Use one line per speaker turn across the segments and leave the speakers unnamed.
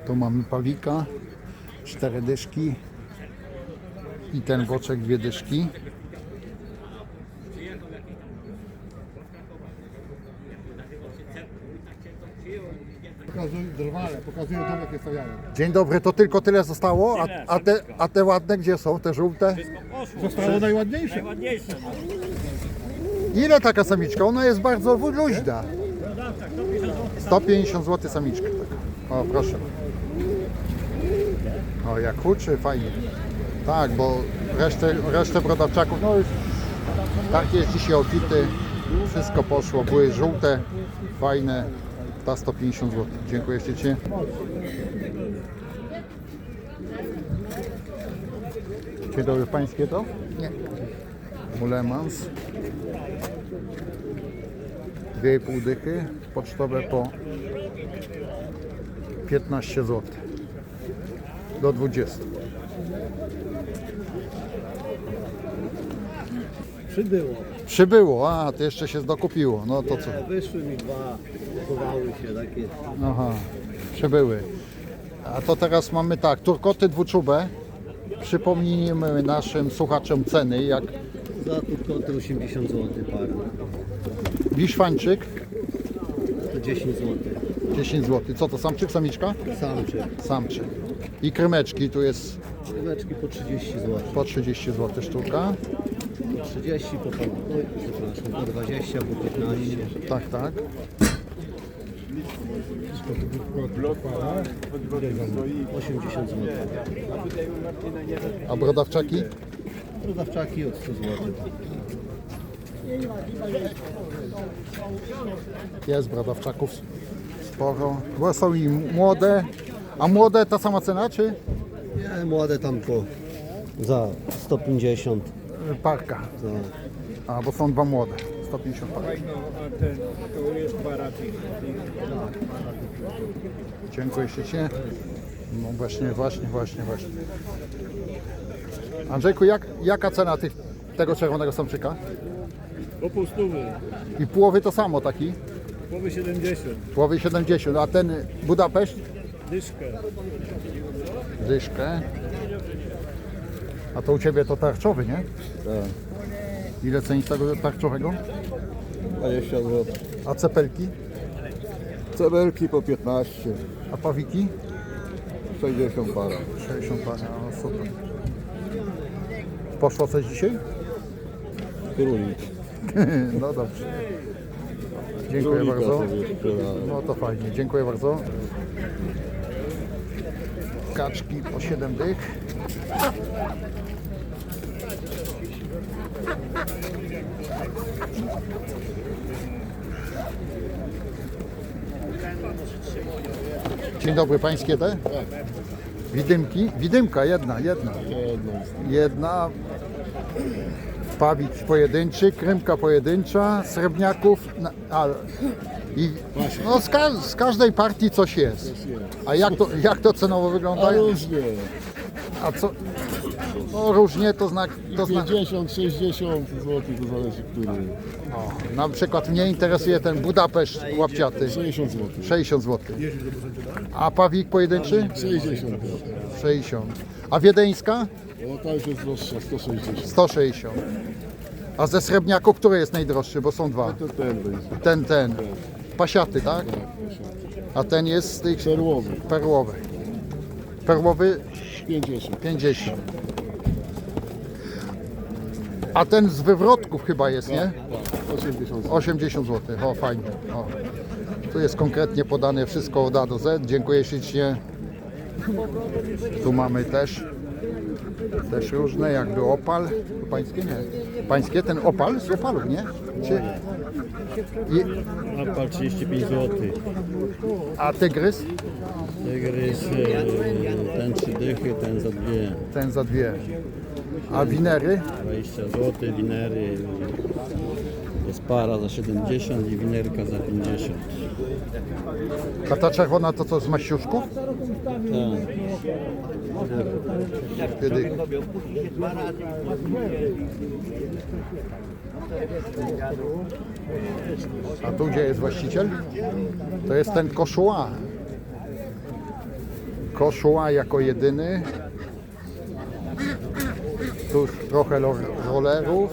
Tu mamy pawika, 4 dyszki i ten boczek 2 dyszki.
Pokazuję dom, jakie stawiają.
Dzień dobry, to tylko tyle zostało? A te ładne gdzie są? Te żółte?
Zostało najładniejsze.
Najładniejsze.
Ile taka samiczka? Ona jest bardzo luźna. 150 zł samiczka. O, proszę. O, jak huczy, fajnie. Tak, bo resztę brodawczaków, no już tak jest dzisiaj obfity. Wszystko poszło, były żółte, fajne. Ta 150 zł. Dziękuję ślicznie. Dzień dobry, pańskie to? Nie. Ulemans. 2,5 dychy. Pocztowe po 15 zł. Do 20. Przybyło, a to jeszcze się dokupiło. No to co?
Wyszły mi dwa, chowały się takie.
Aha, przybyły. A to teraz mamy tak, turkoty dwuczubę. Przypomnijmy naszym słuchaczom ceny, jak
Za turkoty 80 zł parę.
wiszwańczyk
To 10 zł.
10 zł. Co to, samczyk, samiczka?
Samczyk.
Samczyk. I krymeczki, tu jest
Rybeczki po 30 zł.
po 30 zł sztuka.
Po 30, przepraszam, po 20, po 15.
Tak, tak.
Para.
80 zł.
A brodawczaki?
Rodawczaki od 100 zł.
Jest brodawczaków sporo. Bo są i młode. A młode ta sama cena, czy
Nie, młode tam po za 150.
parka?
Za
A, bo są dwa młode. 150 parka.
To jest baraty.
Dziękuję ślicznie. No właśnie. Andrzejku, jaka cena tego czerwonego samczyka?
Po pół stówy.
I połowy to samo taki?
Połowy 70.
Połowy 70, a ten Budapeszt?
Dyszkę.
Dyszkę. A to u Ciebie to tarczowy, nie?
Tak.
Ile cenisz tego tarczowego?
20 zł.
A cepelki?
Cebelki po 15.
A pawiki?
60 para.
60 parę, no super. Poszło coś dzisiaj?
Królik.
No dobrze. Dziękuję bardzo. No to fajnie, dziękuję bardzo. Kaczki po 7 dych. Dzień dobry, pańskie te? Widymki? Widymka, jedna. Pawik pojedynczy, krymka pojedyncza, srebrniaków, i no z każdej partii coś jest. A jak to cenowo wygląda?
Różnie.
A co? No różnie to znak.
50, 60 zł, to zależy który.
O, na przykład mnie interesuje ten Budapeszt łapciaty.
60 zł.
60 zł. A pawik pojedynczy?
60 zł.
60. A wiedeńska?
No ta już jest droższa, 160.
160. A ze srebrniaków który jest najdroższy? Bo są dwa.
To ten będzie.
Ten. Pasiaty, tak? A ten jest z tych
Perłowy.
perłowy. Perłowy
50.
50. A ten z wywrotków chyba jest, nie?
80 zł.
80 zł. O, fajnie. O. Tu jest konkretnie podane wszystko od A do Z. Dziękuję ślicznie. Tu mamy też różne, jakby opal. To pańskie nie. Pańskie ten opal z opalów, nie? Czy...
Opal 35 zł.
A tygrys?
Tygrys, ten 3 dychy, ten za 2.
Ten za 2. A winery?
20 zł, winery. Jest para za 70 i winerka za 50.
A ta czerwona to co, z maściuszków?
Tak.
Kiedy... A tu gdzie jest właściciel? To jest ten Koszuła. Koszula jako jedyny. Tu już trochę rollerów.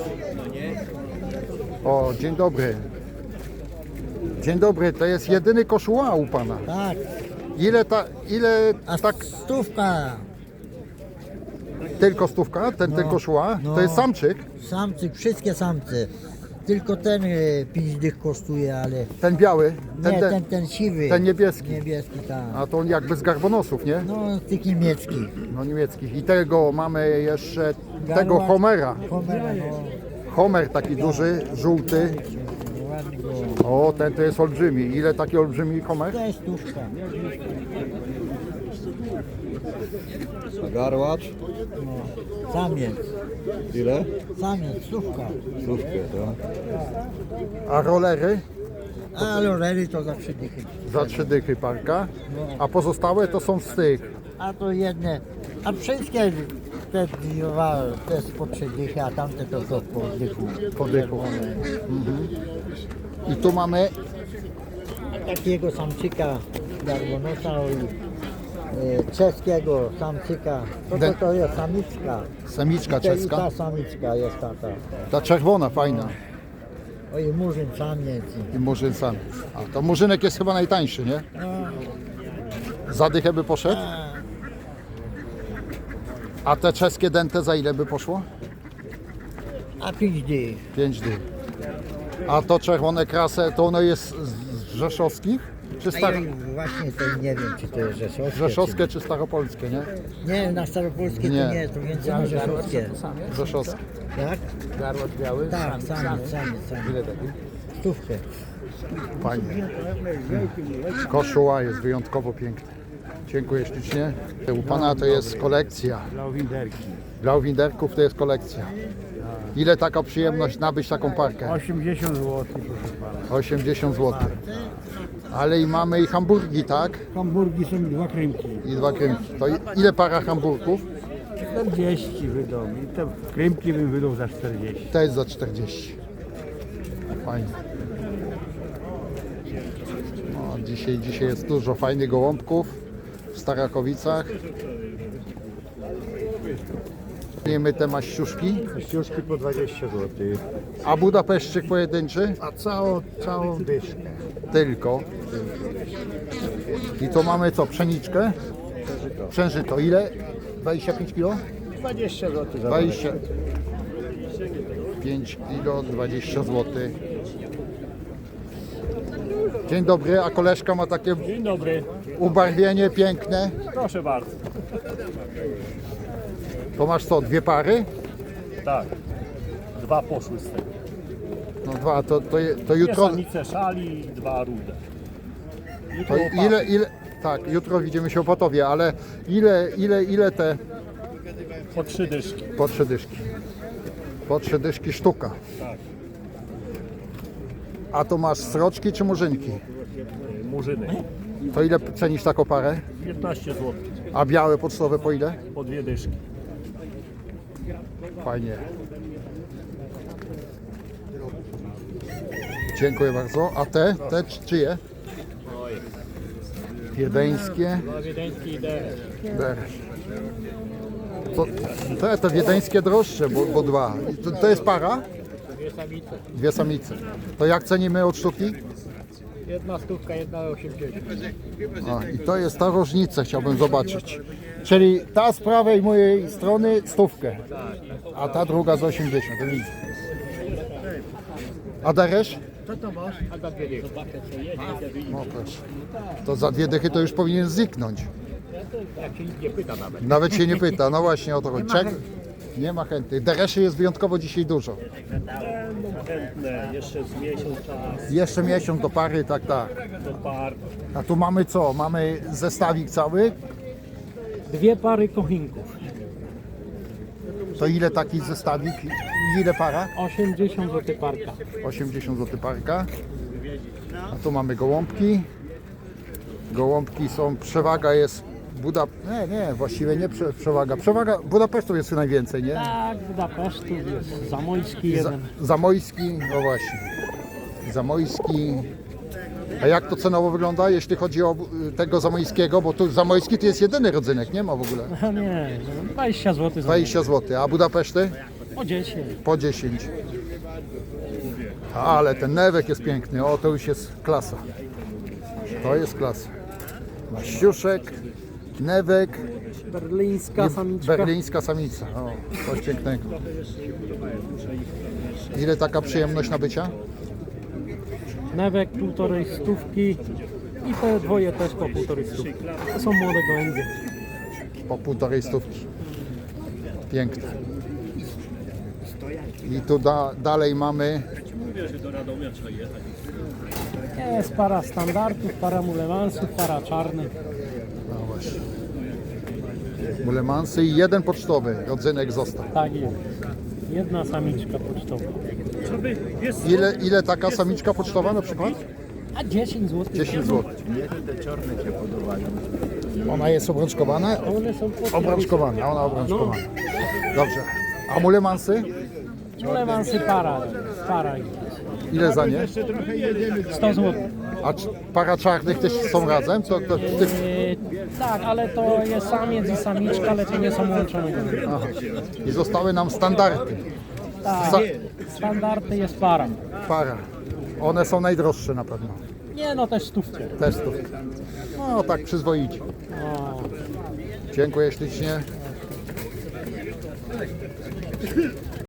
O, dzień dobry. Dzień dobry, to jest jedyny Koszula u pana.
Tak,
Ile
a
tak,
stówka,
tylko stówka, ten Koszula?
no.
To jest samczyk,
samcy, wszystkie samce. Tylko ten 5 dych kosztuje, ale
ten biały,
ten siwy.
ten niebieski.
Niebieski, tak.
A to on jakby z garbonosów, nie?
No, z tych niemieckich.
No niemieckich. I tego mamy jeszcze, tego
Garła-
Homera.
Homera, no.
Homer taki duży, żółty.
Ładny go.
O, ten to jest olbrzymi. Ile taki olbrzymi Homer?
To jest stówka.
Garłacz.
No. Samiec.
Ile?
Samiec, stówka.
Stówkę, tak?
A rollery?
A lorery to za 3 dychy.
Za 3 dychy parka. A pozostałe to są z tych.
A to jedne, a wszystkie te dwa, te jest po 3 dychy, a tamte to po dychu.
Po dychu. I tu mamy
Takiego samczyka garbonosa i czeskiego samczyka. To jest samiczka.
samiczka
I
czeska.
ta samiczka jest taka.
Ta czerwona, fajna.
Oj, murzyn samiec.
I murzyn samiec. A to murzynek jest chyba najtańszy, nie? Za dychę by poszedł? A te czeskie dęte za ile by poszło?
A 5 dych.
5 dych. A to czerwone krasę, to ono jest z rzeszowskich? Czy
A
star...
ja właśnie to nie wiem, czy to jest rzeszowskie.
rzeszowskie czy staropolskie, nie?
Czy... Nie, na staropolskie
Nie.
to nie, to więcej na rzeszowskie.
Rzeszowskie.
Tak?
Garłacz biały?
Tak, samiec.
Ile taki?
Stówkę.
Fajnie. Koszula jest wyjątkowo piękna. Dziękuję ślicznie. U pana to jest kolekcja. Dla winderków to jest kolekcja. Ile taka przyjemność nabyć taką parkę?
80 zł, proszę pana.
80 zł. Ale i mamy i hamburgi, tak?
Hamburgi są 2 krymki.
I 2 krymki. To ile para hamburgów?
40 wydał. I te krymki bym wydał za 40.
To jest za 40. Fajnie. No, dzisiaj jest dużo fajnych gołąbków w Starakowicach. Wiemy te maściuszki,
Kościuszki po 20 zł.
a Budapeszczyk pojedynczy
A całą dyszkę.
tylko. I to mamy co, pszeniczkę? Przężyto. Ile? 25 kg?
20 zł za
25 kg, 20 zł. Dzień dobry, a koleżka ma takie
Dzień dobry,
ubarwienie piękne.
proszę bardzo.
To masz co, 2 pary?
Tak, 2 poszły z tego.
No 2, to
Dwie
jutro.
samice szali i 2 rude.
To ile, tak, jutro widzimy się w Opotowie, ale ile te
Po 3 dyszki.
po 3 dyszki? Po 3 dyszki sztuka.
Tak.
A to masz sroczki czy murzynki?
Murzyny.
To ile cenisz taką parę?
15 zł.
A białe pocztowe po ile?
Po 2 dyszki.
Fajnie. Dziękuję bardzo. A te czyje? Wiedeńskie.
Wiedeński i deresz.
Deresz. To wiedeńskie droższe, bo 2. To jest para?
2 samice.
2 samice. To jak cenimy od sztuki?
Jedna stówka, jedna 80.
O, i to jest ta różnica, chciałbym zobaczyć. Czyli ta z prawej mojej strony stówkę, a ta druga z 80. To widzę. A deresz?
A za 2 dyszki.
No proszę. To za 2 dychy to już powinien zniknąć.
Jak się nikt nie pyta nawet.
Nawet się nie pyta, no właśnie o to chodzi. Nie ma chętnych. Dereszy jest wyjątkowo dzisiaj dużo.
Będą chętne, jeszcze z miesiąc czas
Jeszcze miesiąc do pary, tak.
do par.
A tu mamy co? Mamy zestawik cały.
2 pary kochinków.
To ile taki zestawik? Ile para?
80 zł parka.
80 zł parka. A tu mamy gołąbki. Gołąbki są, przewaga jest właściwie nie przewaga. Przewaga Budapesztu jest najwięcej, nie?
Tak, Budapesztu jest Zamojski jeden.
Zamojski, no właśnie. Zamojski. A jak to cenowo wygląda, jeśli chodzi o tego zamojskiego? Bo tu zamojski to jest jedyny rodzynek, nie ma w ogóle.
No nie, no 20 zł.
20 zł, a Budapeszty?
O 10.
Po 10. Ale ten newek jest piękny, o to już jest klasa. To jest klasa. Maściuszek, newek,
Berlińska samiczka.
berlińska samica. O, coś pięknego. Ile taka przyjemność nabycia?
Newek 1,5 stówki i te dwoje też po 1,5 stówki. To są młode gołębie.
Po 1,5 stówki. Piękne. I tu dalej mamy
Jest para standardów, para mulemansów, para czarnych.
no właśnie, mulemansy i jeden pocztowy rodzynek został.
Tak jest. Jedna samiczka pocztowa.
Ile taka samiczka pocztowa na przykład?
A 10 zł.
10 zł. Ona jest obrączkowana?
One są po
Obrączkowana, ona obrączkowana. Dobrze. A mulemansy?
mulemansy para. Para jest.
Ile za nie?
100 zł.
A para czarnych też są razem?
Tak, ale to jest samiec i samiczka, ale to nie są łączone gołębie.
Aha. I zostały nam standardy.
Tak, standardy jest para.
Para. One są najdroższe na pewno.
Nie no, też stówkę.
Też tu. No tak przyzwoicie.
O.
Dziękuję ślicznie.